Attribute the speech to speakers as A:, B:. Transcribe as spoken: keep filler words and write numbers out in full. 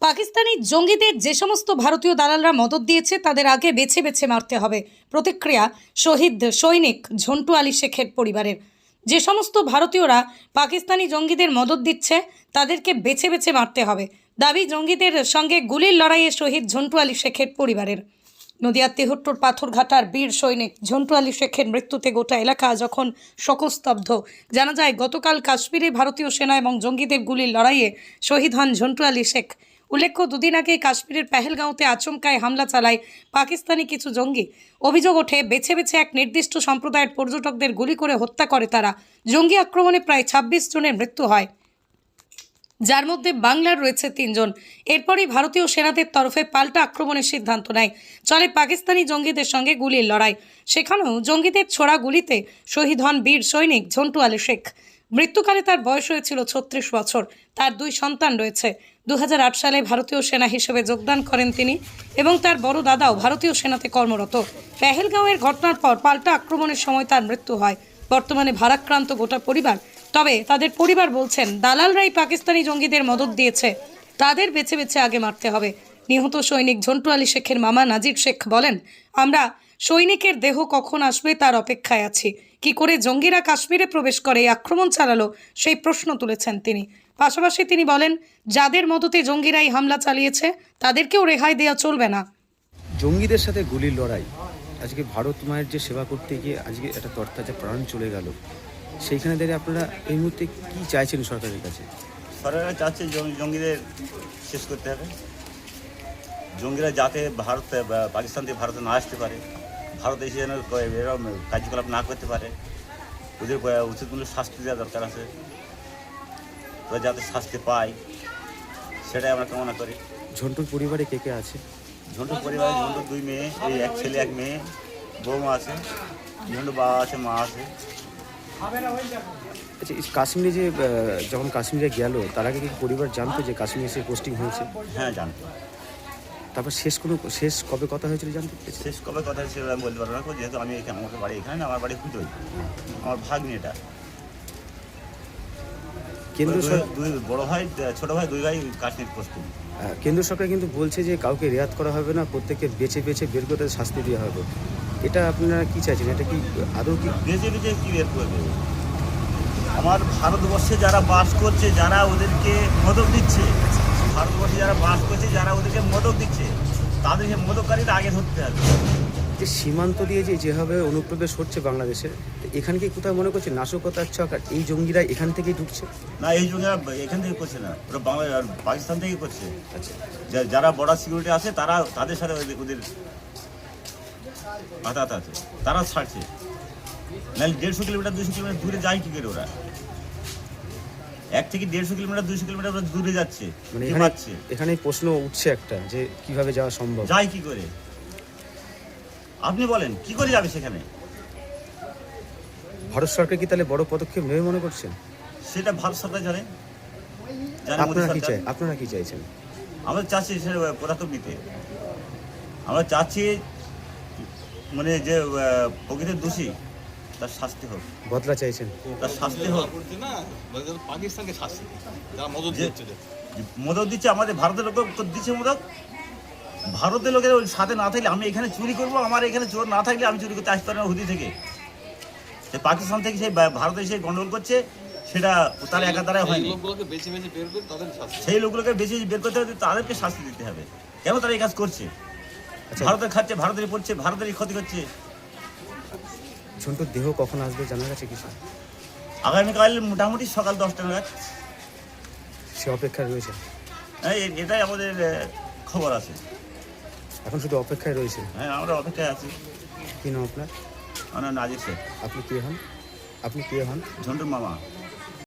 A: পাকিস্তানি জঙ্গিদের যে সমস্ত ভারতীয় দালালরা মদত দিয়েছে তাদের আগে বেছে বেছে মারতে হবে। প্রতিক্রিয়া শহীদ সৈনিক ঝন্টু আলী শেখের পরিবারের। যে সমস্ত ভারতীয়রা পাকিস্তানি জঙ্গিদের মদত দিচ্ছে তাদেরকে বেছে বেছে মারতে হবে, দাবি জঙ্গিদের সঙ্গে গুলির লড়াইয়ে শহীদ ঝন্টু আলী শেখের পরিবারের। নদিয়ার তেহট্টুর পাথরঘাটার বীর সৈনিক ঝন্টু আলী শেখের মৃত্যুতে গোটা এলাকা যখন শোকস্তব্ধ। জানা যায় গতকাল কাশ্মীরে ভারতীয় সেনা এবং জঙ্গিদের গুলির লড়াইয়ে শহীদ হন ঝন্টু আলী শেখ। উল্লেখ্য, দুদিন আগে কাশ্মীরের পেহেলগাঁওতে আচমকায় হামলা চালায় পাকিস্তানি কিছু জঙ্গি। অভিযোগ ওঠে বেছে বেছে এক নির্দিষ্ট সম্প্রদায়ের পর্যটকদের গুলি করে হত্যা করে তারা। জঙ্গি আক্রমণে প্রায় ছাব্বিশ জনের মৃত্যু হয়, যার মধ্যে বাংলার রয়েছে তিনজন। এরপরই ভারতীয় সেনাদের তরফে পাল্টা আক্রমণের সিদ্ধান্ত নেয়। চলে পাকিস্তানি জঙ্গিদের সঙ্গে গুলির লড়াই। সেখানেও জঙ্গিদের ছোড়া গুলিতে শহীদ হন বীর সৈনিক ঝন্টু আলী শেখ। মৃত্যুকালে তার বয়স হয়েছিল ছত্রিশ বছর। তার দুই সন্তান রয়েছে। দু হাজার আট সালে ভারতীয় সেনা হিসেবে যোগদান করেন তিনি এবং তার বড় দাদাও ভারতীয় সেনাতে কর্মরত। পেহেলগাঁওয়ের ঘটনার পর পাল্টা আক্রমণের সময় তার মৃত্যু হয়। বর্তমানে ভারাক্রান্ত গোটা পরিবার। তবে তাদের পরিবার বলছেন দালালরাই পাকিস্তানি জঙ্গিদের মদত দিয়েছে, তাদের বেছে বেছে আগে মারতে হবে। নিহত সৈনিক ঝন্টু আলী শেখের মামা নাজির শেখ বলেন, আমরা সৈনিকের দেহ কখন আসবে তার অপেক্ষায় আছি। কি করে জঙ্গিরা কাশ্মীরে প্রবেশ করে আক্রমণ চালালো সেই প্রশ্ন তুলেছেন তিনি। পাশাপাশি তিনি বলেন, যাদের মদতে জঙ্গিরাই হামলা চালিয়েছে তাদেরকেও রেহাই দেওয়া চলবে না।
B: জঙ্গিদের সাথে গুলির লড়াই, আজকে ভারত মায়ের যে সেবা করতে গিয়ে আজকে একটা তরতাজা প্রাণ চলে গেল, সেইখানে দাঁড়িয়ে আপনারা এই মুহূর্তে কি চাইছেন সরকারের কাছে?
C: সরকার চাচ্ছে জঙ্গিদের শেষ করতে হবে। জঙ্গিরা যাতে ভারত পাকিস্তান থেকে ভারতে না আসতে পারে, ভারত এসে যেন এরকম কার্যকলাপ না করতে পারে, ওদের উচিত মূল্য শাস্তি দেওয়া দরকার আছে। ওরা যাতে শাস্তি পায় সেটাই আমরা কামনা করি।
B: ঝন্টুর পরিবারে কে কে আছে?
C: ঝন্টুর পরিবারে ঝন্টুর দুই মেয়ে, এই এক ছেলে এক মেয়ে, বৌমা আছে, ঝন্টুর বাবা আছে, মা আছে।
B: আচ্ছা, কাশ্মীরে যে যখন কাশ্মীরে গেল তার আগে কি পরিবার জানতো যে কাশ্মীরে এসে পোস্টিং হয়েছে?
C: হ্যাঁ, জানতো।
B: তারপর শেষ কোনো শেষ কবে কথা হয়েছিল জানতে?
C: শেষ কবে কথা হয়েছিল আমি বলতে পারবো না, যেহেতু আমি এখানে, আমাকে বাড়ি এখানে না, আমার বাড়ি হুদই, আমার ভাগ্নি এটা। কেন্দ্র দুই বড় ভাই, ছোট ভাই, দুই ভাই কাশ্মীর পোস্টিং।
B: কেন্দ্র সরকার কিন্তু বলছে যে কাউকে রেয়াত করা হবে না, প্রত্যেককে বেছে বেছে বের করে শাস্তি দেওয়া হবে। এটা আপনারা কি চাইছেন? এটা কি আদৌ কি
C: বেছে বেছে কি বের করবে? আমার ভারতবর্ষে যারা বাস করছে, যারা ওদেরকে মদত দিচ্ছে, ভারতবর্ষে যারা বাস করছে, যারা ওদেরকে মদত দিচ্ছে, তাদেরকে মদতকারীরা আগে ধরতে হবে।
B: যে সীমান্ত দিয়ে যে যেভাবে অনুপ্রবেশ হচ্ছে বাংলাদেশে, এখানে কি কোথাও মনে করছে নাশকতার ছক আর এই জঙ্গিরা এখান থেকেই ঢুকছে?
C: না, এই জঙ্গিরা এখান থেকে করছে না, ওরা বাংলা পাকিস্তান থেকেই করছে। আচ্ছা, যারা বর্ডার সিকিউরিটি আছে তারা, তাদের সাথে ওদের আঘাত আছে, তারা ছাড়ছে। নাহলে দেড়শো কিলোমিটার দুইশো কিলোমিটার দূরে যায় কি করে ওরা? এক থেকে দেড়শো কিলোমিটার দুইশো কিলোমিটার দূরে যাচ্ছে,
B: মানে এখানে প্রশ্ন উঠছে একটা, যে কিভাবে যাওয়া সম্ভব,
C: যায় কি করে? আপনি বলেন কি করে যাবে সেখানে?
B: ভারত সরকার কি তাহলে বড় পদক্ষেপ নেবে মনে করছেন?
C: সেটা ভারত সরকার জানে।
B: আপনারা কি চাই আপনারা কি চাইছেন?
C: আমরা চাচ্ছি সেটা পদক্ষেপ নিতে। আমরা চাচ্ছি মানে যে প্রকৃত দোষী তার শাস্তি হোক,
B: বদলা চাইছেন,
C: তার শাস্তি হোক।
D: পাকিস্তানকে শাস্তি
C: মদত দিচ্ছে, আমাদের ভারতের লোক দিচ্ছে মদত। ভারতের লোকের ওই সাথে না থাকলে আমি এখানে চুরি করবো, আমার এখানে চোর না থাকলে আমি চুরি করতে আসতে পারি না হুদি থেকে। সে পাকিস্তান থেকে সেই ভারতে এসে গন্ডগোল করছে, সেটা তার একা দ্বারাই হয়নি। সেই লোকগুলোকে বেছে বের করতে হবে, তাদেরকে শাস্তি দিতে হবে। কেন তারা এই কাজ করছে? ভারতের খাচ্ছে, ভারতেরই পড়ছে, ভারতেরই ক্ষতি করছে।
B: ঝন্টুর দেহ কখন আসবে জানা গেছে কিছু?
C: আগামীকাল মোটামুটি সকাল দশটা নাগাদ।
B: সে অপেক্ষায় রয়েছে?
C: হ্যাঁ, এটাই আমাদের খবর আছে।
B: এখন শুধু অপেক্ষায় রয়েছে?
C: হ্যাঁ, আমরা অপেক্ষায় আছি।
B: কি নাম আপনার?
C: আমার নাজির শেখ।
B: আপনি কে হন? আপনি কে হন?
C: ঝন্টুর মামা।